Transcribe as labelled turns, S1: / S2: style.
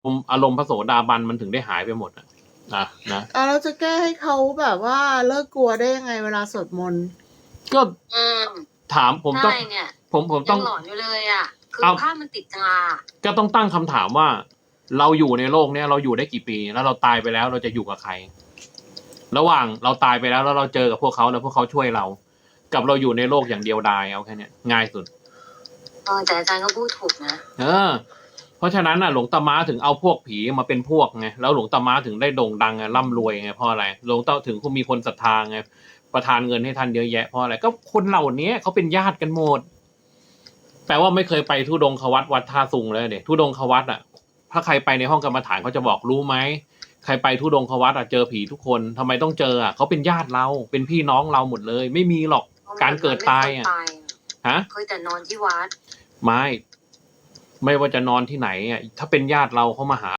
S1: อารมณ์พระโสดาบันมันถึงได้หายไปหมดนะนะ
S2: เราจะแก้ให้เขาแบบว่าเลิกกลัวได้ยังไงเวลาสวดมนต์
S1: ก็ถามผมต้อง
S3: ใช่เนี่ย
S1: ผมต้
S3: ยั
S1: อง
S3: งหลอนอยู่เลยอ่ะ คือ
S1: เอา
S3: ภาพมันติดตา
S1: ก็ต้องตั้งคำถามว่า เราอยู่ในโลกเนี้ยเราอยู่ได้กี่ปี แล้วเราตายไปแล้วเราจะอยู่กับใคร ระหว่างเราตายไปแล้วเราเจอกับพวกเขาแล้วพวกเขาช่วยเรา กับเราอยู่ในโลกอย่างเดียวดายเอาแค่เนี้ยง่ายสุด
S3: แต่อาจารย์ก็พูดถูกนะ
S1: เพราะฉะนั้นหลวงตาม้าถึงเอาพวกผีมาเป็นพวกไงแล้วหลวงตาม้าถึงได้โด่งดังไงร่ำรวยไงเพราะอะไรหลวงตาถึงมีคนศรัทธาไงประทานเงินให้ท่านเยอะแยะเพราะอะไรก็คนเหล่านี้เขาเป็นญาติกันหมด แปลว่าไม่เคยไปทุดงควัดวัดท่าซุงเลยเด็ทุดงควัดถ้าใครไปในห้องกรรมฐานเขาจะบอกรู้ไหมใครไปทุดงควัดเจอผีทุกคนทำไมต้องเจอเขาเป็นญาติเราเป็นพี่น้องเราหมดเลย ไม่มีหรอกการเกิดตาย
S3: เคยแต่นอนที่วัด
S1: ไม่ว่าจะนอนที่ไหนถ้าเป็นญาติเราเขามาหา